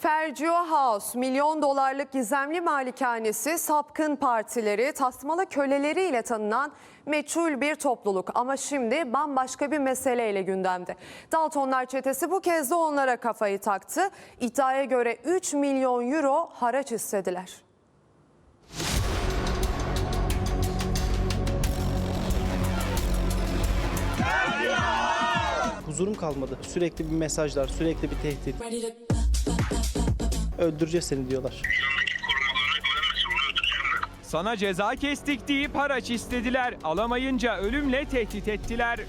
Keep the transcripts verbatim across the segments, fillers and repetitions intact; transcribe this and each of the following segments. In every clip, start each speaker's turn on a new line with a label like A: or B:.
A: Fergio House, milyon dolarlık gizemli malikanesi, sapkın partileri, tasmalı köleleriyle tanınan meçhul bir topluluk. Ama şimdi bambaşka bir meseleyle gündemde. Daltonlar çetesi bu kez de onlara kafayı taktı. İddiaya göre üç milyon euro haraç istediler.
B: Huzurum kalmadı. Sürekli bir mesajlar, sürekli bir tehdit. Öldüreceğiz seni diyorlar.
C: Sana ceza kestik deyip haraç istediler. Alamayınca ölümle tehdit ettiler.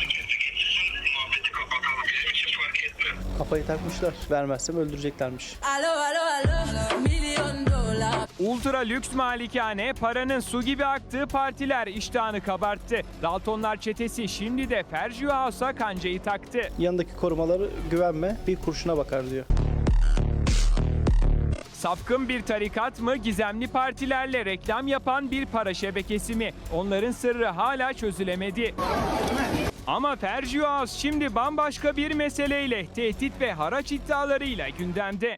B: Kafayı takmışlar. Vermezsem öldüreceklermiş.
D: Alo, alo, alo, milyon dolar.
C: Ultra lüks malikane, paranın su gibi aktığı partiler iştahını kabarttı. Daltonlar çetesi şimdi de Fergio House'a kancayı taktı.
B: Yanındaki korumaları güvenme, bir kurşuna bakar diyor.
C: Sapkın bir tarikat mı, gizemli partilerle reklam yapan bir para şebekesi mi? Onların sırrı hala çözülemedi. Ama Fergio House şimdi bambaşka bir meseleyle, tehdit ve haraç iddialarıyla gündemde.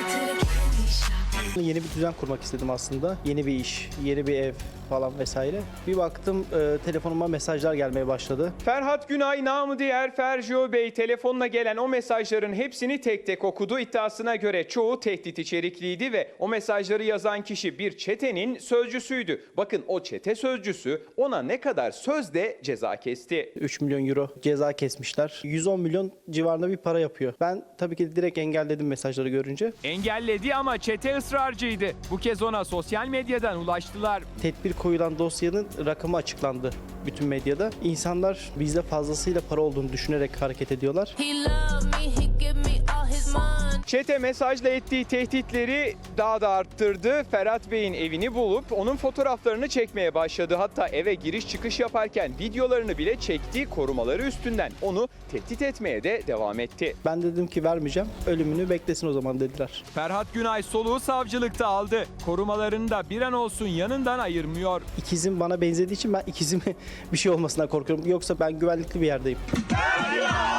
B: Yeni bir düzen kurmak istedim aslında. Yeni bir iş, yeni bir ev falan vesaire. Bir baktım e, telefonuma mesajlar gelmeye başladı.
C: Ferhat Günay namı diğer Fergio Bey telefonla gelen o mesajların hepsini tek tek okudu. İddiasına göre çoğu tehdit içerikliydi ve o mesajları yazan kişi bir çetenin sözcüsüydü. Bakın o çete sözcüsü ona ne kadar sözde ceza kesti.
B: üç milyon euro ceza kesmişler. yüz on milyon civarında bir para yapıyor. Ben tabii ki direkt engelledim mesajları görünce.
C: Engelledi ama çete ısrarcıydı. Bu kez ona sosyal medyadan ulaştılar.
B: Tedbir koyulan dosyanın rakamı açıklandı bütün medyada. İnsanlar bizde fazlasıyla para olduğunu düşünerek hareket ediyorlar.
D: He love me, he give me all his money.
C: Çete mesajla ettiği tehditleri daha da arttırdı. Ferhat Bey'in evini bulup onun fotoğraflarını çekmeye başladı. Hatta eve giriş çıkış yaparken videolarını bile çekti. Korumaları üstünden onu tehdit etmeye de devam etti.
B: Ben dedim ki vermeyeceğim, ölümünü beklesin o zaman dediler.
C: Ferhat Günay soluğu savcılıkta aldı. Korumalarını da bir an olsun yanından ayırmıyor.
B: İkizim bana benzediği için ben ikizime bir şey olmasından korkuyorum. Yoksa ben güvenlikli bir yerdeyim.